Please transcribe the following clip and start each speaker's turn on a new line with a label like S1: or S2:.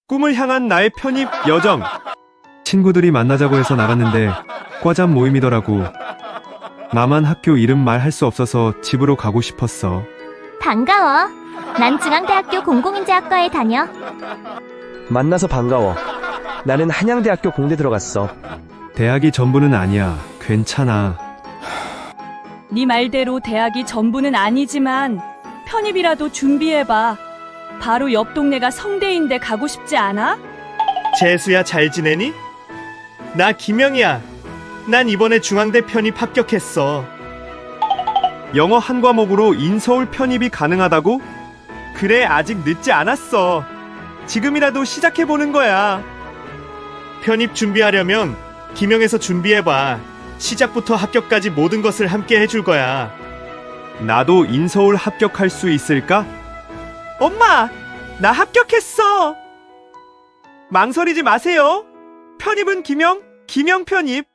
S1: 꿈을 향한 나의 편입 여정. 친구들이 만나자고 해서 나갔는데 과잠 모임이더라고. 나만 학교 이름 말할 수 없어서 집으로 가고 싶었어.
S2: 반가워. 난 중앙대학교 공공인재학과에 다녀.
S3: 만나서 반가워. 나는 한양대학교 공대 들어갔어.
S1: 대학이 전부는 아니야. 괜찮아.
S4: 네 말대로 대학이 전부는 아니지만 편입이라도 준비해봐. 바로 옆 동네가 성대인데 가고 싶지 않아?
S5: 재수야, 잘 지내니? 나 김영이야. 난 이번에 중앙대 편입 합격했어.
S1: 영어 한 과목으로 인서울 편입이 가능하다고? 그래, 아직 늦지 않았어. 지금이라도 시작해보는 거야.
S5: 편입 준비하려면 김영에서 준비해봐. 시작부터 합격까지 모든 것을 함께 해줄 거야.
S1: 나도 인서울 합격할 수 있을까?
S5: 엄마! 나 합격했어!
S1: 망설이지 마세요. 편입은 김영 편입.